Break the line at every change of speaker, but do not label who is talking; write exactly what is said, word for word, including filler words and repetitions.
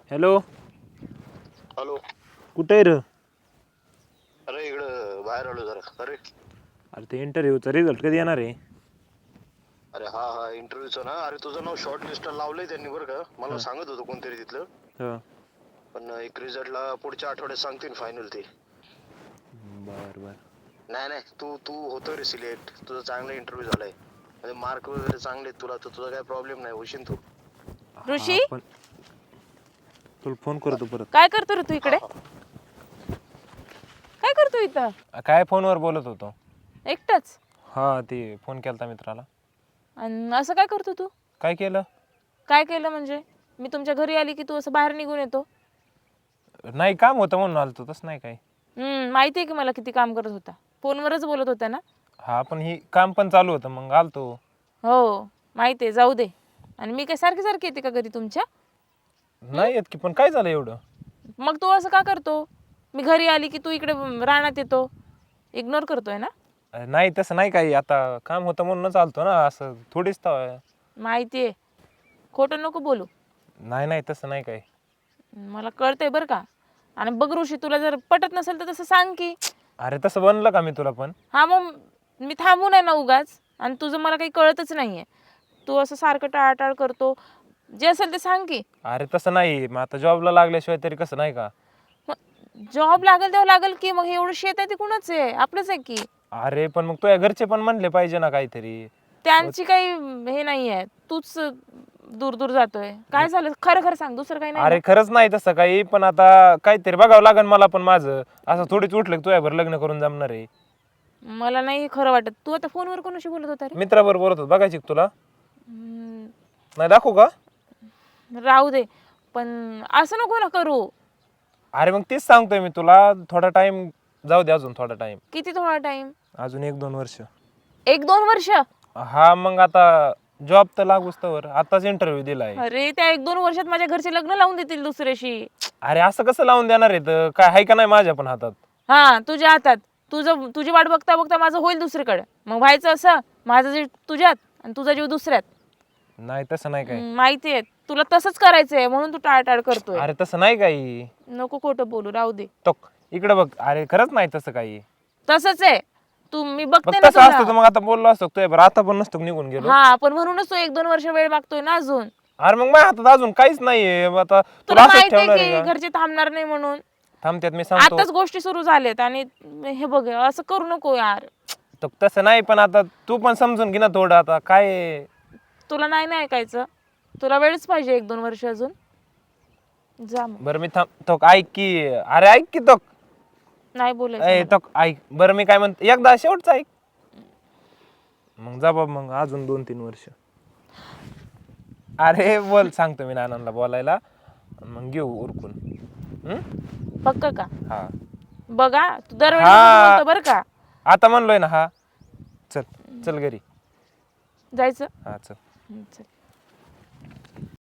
Hello.
Hello.
कुठे आहे र?
अरे इकडं बाहेर आलो जरा. अरे
अरे ते इंटरव्ह्यूचा रिझल्ट कधी येणार आहे?
अरे हा हा इंटरव्ह्यूचं ना. अरे तुझं नाव शॉर्ट लिस्टला लावलंय त्यांनी बरं का. मला
हा.
सांगत होतं कोणतरी तिथलं.
हा.
पण एक रिझल्टला पुढच्या आठवड्यात सांगतील फायनल ते.
बर बर.
नाही नाही तू तू होतो रे सिलेक्ट. तुझा चांगला इंटरव्ह्यू झालाय. म्हणजे मार्क वगैरे चांगले आहेत तुला, तर तुझा काय प्रॉब्लेम नाही, होशील तू.
हा
ऋषी
पण तुला फोन करतो परत.
काय करतो रे तू
हा
इकडे?
हा.
काय करतो इथं
काय फोनवर बोलत होतो?
एकटाच?
हा ते फोन केलता मित्राला.
आणि असं काय करतो तू?
काय केलं?
काय केलं म्हणजे? मी तुमच्या घरी आली की तू असं बाहेर निघून येतो?
नाही काम होतं म्हणून आलतो, तसं नाही काय.
हम्म माहिती आहे की मला किती काम करत होता. फोनवरच बोलत होता ना?
हा पण ही काम पण चालू होतं मग आलतो.
हो माहिती आहे, जाऊ दे. आणि मी काय सारखी सारखी येते का घरी तुमच्या?
नाही येत की, पण काय झालं एवढं?
मग तू असं का करतो? मी घरी आली की तू इकडे रानात येतो, इग्नोर करतोय ना?
अरे नाही तसं नाही काही, आता काम होतं म्हणूनच आलतो ना, असं थोडीच तर.
माहिती आहे, खोटं नको बोलू.
नाही नाही तसं नाही काही.
मला कळतंय बरं का. आणि बघ ऋषी, तुला जर पटत नसेल तर तसं सांग की.
अरे तसं बनलं का मी तुला पण?
हा मग मी थांबू नये ना उगाच. आणि तुझं मला काही कळतच नाहीये. तू असं सारखं टाळाटाळ करतो. जे असेल ते सांग की.
अरे तसं नाही, मग आता जॉबला लागल्याशिवाय तरी कसं, नाही का?
जॉब लागेल तेव्हा लागेल की. मग हे एवढं शेत आहे ते कुणाच आहे? आपलंच आहे की.
अरे पण मग तुझ्या घरचे पण म्हणले पाहिजे ना काहीतरी.
त्यांची काही हे नाहीये, तूच दूर दूर जातोय. काय झालं खरं खरं सांग, दुसरं काही नाही
अरे
ना?
खरंच नाही तसं काही, पण आता काहीतरी बघावं लागेल मला पण माझं. असं थोडीच उठलं की तुझ्यावर लग्न करून जमणार आहे.
मला नाही खरं वाटत. तू आता फोनवर कोणाशी बोलत होता रे?
मित्राबरोबर बोलत होतो, बघायची का तुला?
हम्म,
नाही दाखवू का?
राहू दे. पण असं नको ना करू.
अरे मग तेच सांगतोय मी तुला, थोडा टाइम जाऊ दे, अजून थोडा टाइम.
किती थोडा टाइम?
अजून एक दोन वर्ष.
एक दोन वर्ष?
हा मग आता जॉब तर लागूच तर, आताच इंटरव्ह्यू दिलाय.
अरे त्या एक दोन वर्षात माझ्या घरचे लग्न लावून देतील दुसऱ्याशी.
अरे असं कसं लावून देणार आहे? तर काय आहे का नाही माझ्या पण हातात?
हा तुझ्या हातात. तुझं तुझी वाट बघता बघता माझं होईल दुसरीकडे. मग व्हायचं असं, माझं जीव तुझ्यात आणि तुझा जीव दुसऱ्यात.
नाही तसं नाही काही.
हम्म, माहिती आहे तुला तसंच करायचंय म्हणून तू टाळटाळ करतोय.
अरे तसं नाही काही.
नको खोटं बोलू, राहू दे.
तो इकडे बघ. अरे खरंच नाही तसं काही.
तसंच आहे. तू मी
मग
बघते ना
तसं असतं तर
तुला.
मग आता बोललो असतो तुझ्या बरं, आता पण नसतो निघून गेलो.
हा पण म्हणूनच तू एक दोन वर्ष वेळ मागतोय ना अजून.
अरे मग माझ्या हातात अजून काहीच नाहीये. आता तुला
तुला
असंच
माहिती
ठेवणार
आहे
आहे
की
का?
घरचे थांबणार नाही म्हणून.
थांबत्यात मी सांगतो.
आताच गोष्टी सुरू झाल्यात आणि हे बघ असं करू नको यार.
तो तसं नाही, पण आता तू पण समजून घे ना थोडं. आता काय आहे?
तुला नाही ना ऐकायचं. तुला वेळच पाहिजे एक दोन वर्ष अजून. जा मग.
बरं मी थांब तो ऐक की. अरे ऐक की तो.
नाही बोलायचं
ए
मला.
तो ऐक बरं, मी काय म्हणतो एकदा शेवटचं ऐक. मग जा बाबा, मग अजून दोन तीन वर्ष. अरे बोल, सांगतो मी नानांना बोलायला, मग घेऊ उरकून. हम्म?
पक्क का?
हा
बघा तू दरवेळी
हा.
तसंच बोलतो बरं का.
आता म्हणलोय ना. हा चल चल घरी.
जायचं?
हा चल.
हं, चल.